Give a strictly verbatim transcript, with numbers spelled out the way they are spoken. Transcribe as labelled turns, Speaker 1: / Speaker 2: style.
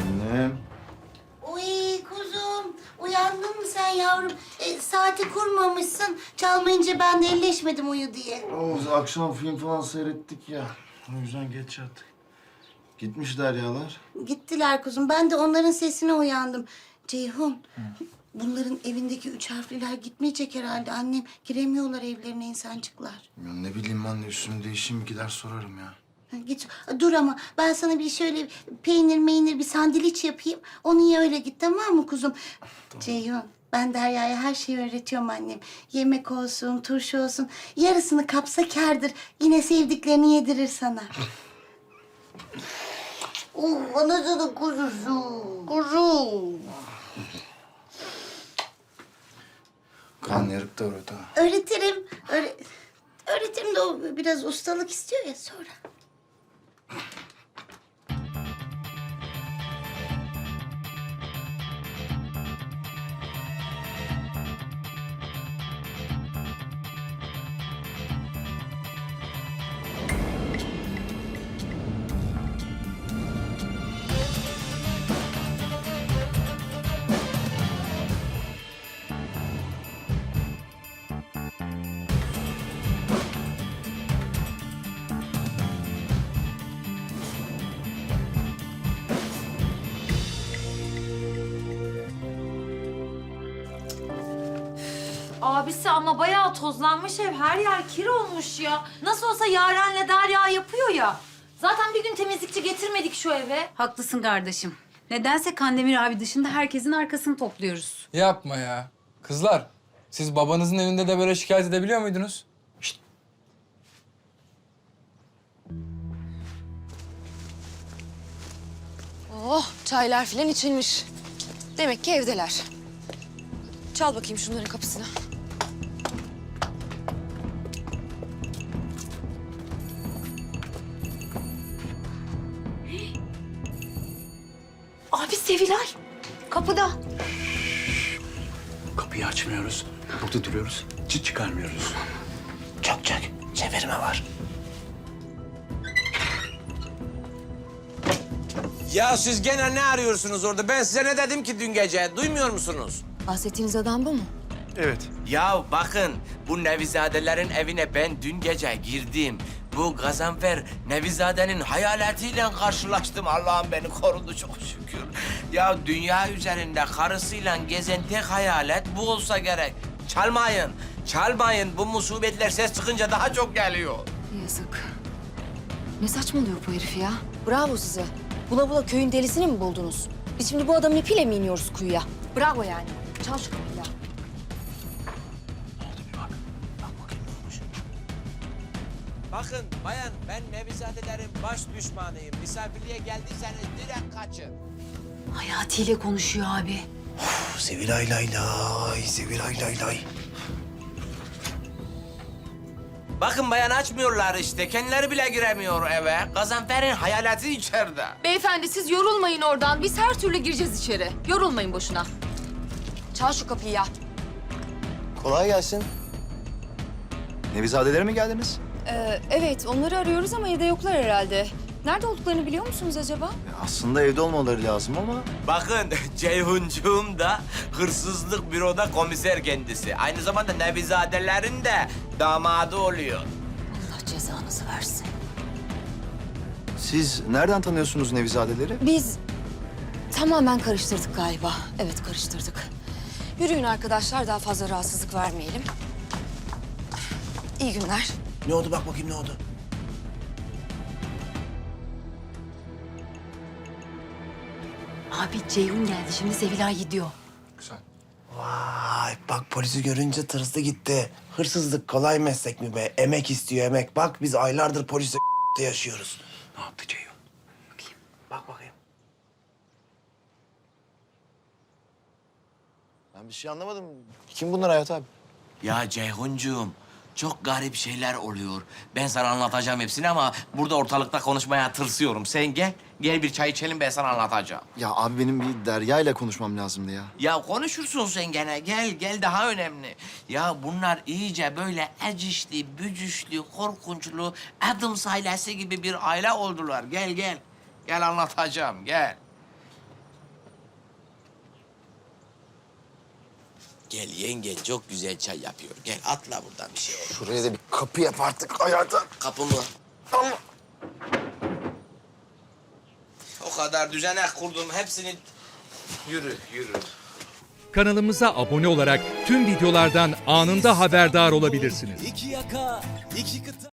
Speaker 1: Annem.
Speaker 2: Uy kuzum, uyandın mı sen yavrum? E, saati kurmamışsın. Çalmayınca ben de elleşmedim uyu diye.
Speaker 1: Oğuz akşam film falan seyrettik ya. O yüzden geç yattık. Gitmiş Deryalar.
Speaker 2: Gittiler kuzum. Ben de onların sesine uyandım. Ceyhun, bunların evindeki üç harfliler gitmeyecek herhalde annem. Giremiyorlar evlerine insancıklar.
Speaker 1: Ya ne bileyim anne, üstümü değişeyim, gider sorarım ya.
Speaker 2: Ha, git, dur ama ben sana bir şöyle peynir meynir bir sandviç yapayım. Onu ye öyle git, tamam mı kuzum? Ceyhun, ben Derya'ya her şeyi öğretiyorum annem. Yemek olsun, turşu olsun. Yarısını kapsa kârdır. Yine sevdiklerini yedirir sana. Oh, anasının kuzusu. Kuzu.
Speaker 1: Kan yarık da öğret ha.
Speaker 2: Öğretirim. Öğre... Öğretirim de o biraz ustalık istiyor ya sonra.
Speaker 3: Abisi ama bayağı tozlanmış ev. Her yer kir olmuş ya. Nasıl olsa Yaren'le Derya yapıyor ya. Zaten bir gün temizlikçi getirmedik şu eve.
Speaker 4: Haklısın kardeşim. Nedense Kandemir abi dışında herkesin arkasını topluyoruz.
Speaker 5: Yapma ya. Kızlar, siz babanızın evinde de böyle şikayet edebiliyor muydunuz?
Speaker 6: Oh, çaylar filan içilmiş. Demek ki evdeler. Çal bakayım şunların kapısını.
Speaker 3: Abi Sevilay kapıda.
Speaker 7: Kapıyı açmıyoruz. Burada duruyoruz. Çıt çıkarmıyoruz. Çak çak. Çevirme var.
Speaker 8: Ya siz gene ne arıyorsunuz orada? Ben size ne dedim ki dün gece? Duymuyor musunuz?
Speaker 6: Bahsettiğiniz adam bu mu?
Speaker 1: Evet.
Speaker 8: Ya bakın, bu Nevizadelerin evine ben dün gece girdim. Bu Gazanfer Nevizade'nin hayaletiyle karşılaştım. Allah'ım beni korudu çok şükür. Ya dünya üzerinde karısıyla gezen tek hayalet bu olsa gerek. Çalmayın, çalmayın. Bu musibetler ses çıkınca daha çok geliyor.
Speaker 6: Yazık. Ne saçmalıyor bu herif ya? Bravo size. Bula bula köyün delisini mi buldunuz? Biz şimdi bu adamın ipiyle mi iniyoruz kuyuya? Bravo yani. Çal şu kapıyı ya.
Speaker 8: Bakın bayan, ben Nevizadelerin baş düşmanıyım. Misafirliğe geldiyseniz direkt kaçın.
Speaker 4: Hayati ile konuşuyor abi.
Speaker 7: Sevilay lay lay. Sevilay lay lay.
Speaker 8: Bakın bayan, açmıyorlar işte. Kendileri bile giremiyor eve. Gazanfer'in hayaleti içeride.
Speaker 6: Beyefendi siz yorulmayın oradan. Biz her türlü gireceğiz içeri. Yorulmayın boşuna. Çal şu kapıyı ya.
Speaker 9: Kolay gelsin. Nevizadelere mi geldiniz?
Speaker 6: Ee, evet onları arıyoruz ama evde yoklar herhalde. Nerede olduklarını biliyor musunuz acaba?
Speaker 9: Ya aslında evde olmaları lazım ama...
Speaker 8: Bakın Ceyhuncuğum da hırsızlık büroda komiser kendisi. Aynı zamanda Nevizadelerin de damadı oluyor.
Speaker 6: Allah cezanızı versin.
Speaker 9: Siz nereden tanıyorsunuz Nevizadeleri?
Speaker 6: Biz tamamen karıştırdık galiba. Evet karıştırdık. Yürüyün arkadaşlar daha fazla rahatsızlık vermeyelim. İyi günler.
Speaker 7: Ne oldu bak bakayım ne oldu?
Speaker 4: Abi Ceyhun geldi. Şimdi Sevilay gidiyor.
Speaker 5: Güzel.
Speaker 7: Vay bak polisi görünce tırstı gitti. Hırsızlık kolay meslek mi be? Emek istiyor emek. Bak biz aylardır polisle yaşıyoruz. Ne yaptı Ceyhun? Bakayım. Bak bakayım.
Speaker 9: Ben bir şey anlamadım. Kim bunlar Hayat abi?
Speaker 8: Ya Ceyhuncuğum, çok garip şeyler oluyor. Ben sana anlatacağım hepsini ama burada ortalıkta konuşmaya tırsıyorum. Sen gel, gel bir çay içelim, ben sana anlatacağım.
Speaker 9: Ya abi benim bir Derya ile konuşmam lazımdı ya.
Speaker 8: Ya konuşursun sen gene. Gel, gel daha önemli. Ya bunlar iyice böyle ecişli, bücüşlü, korkunçlu, Adams ailesi gibi bir aile oldular. Gel, gel. Gel anlatacağım, gel. Gel yenge çok güzel çay yapıyor. Gel atla buradan bir şey olur.
Speaker 9: Şuraya da bir kapı yap artık hayata.
Speaker 8: Kapı mı? O kadar düzenek kurdum hepsini... Yürü, yürü.
Speaker 10: Kanalımıza abone olarak tüm videolardan anında haberdar olabilirsiniz.
Speaker 11: İki yaka, iki kıta.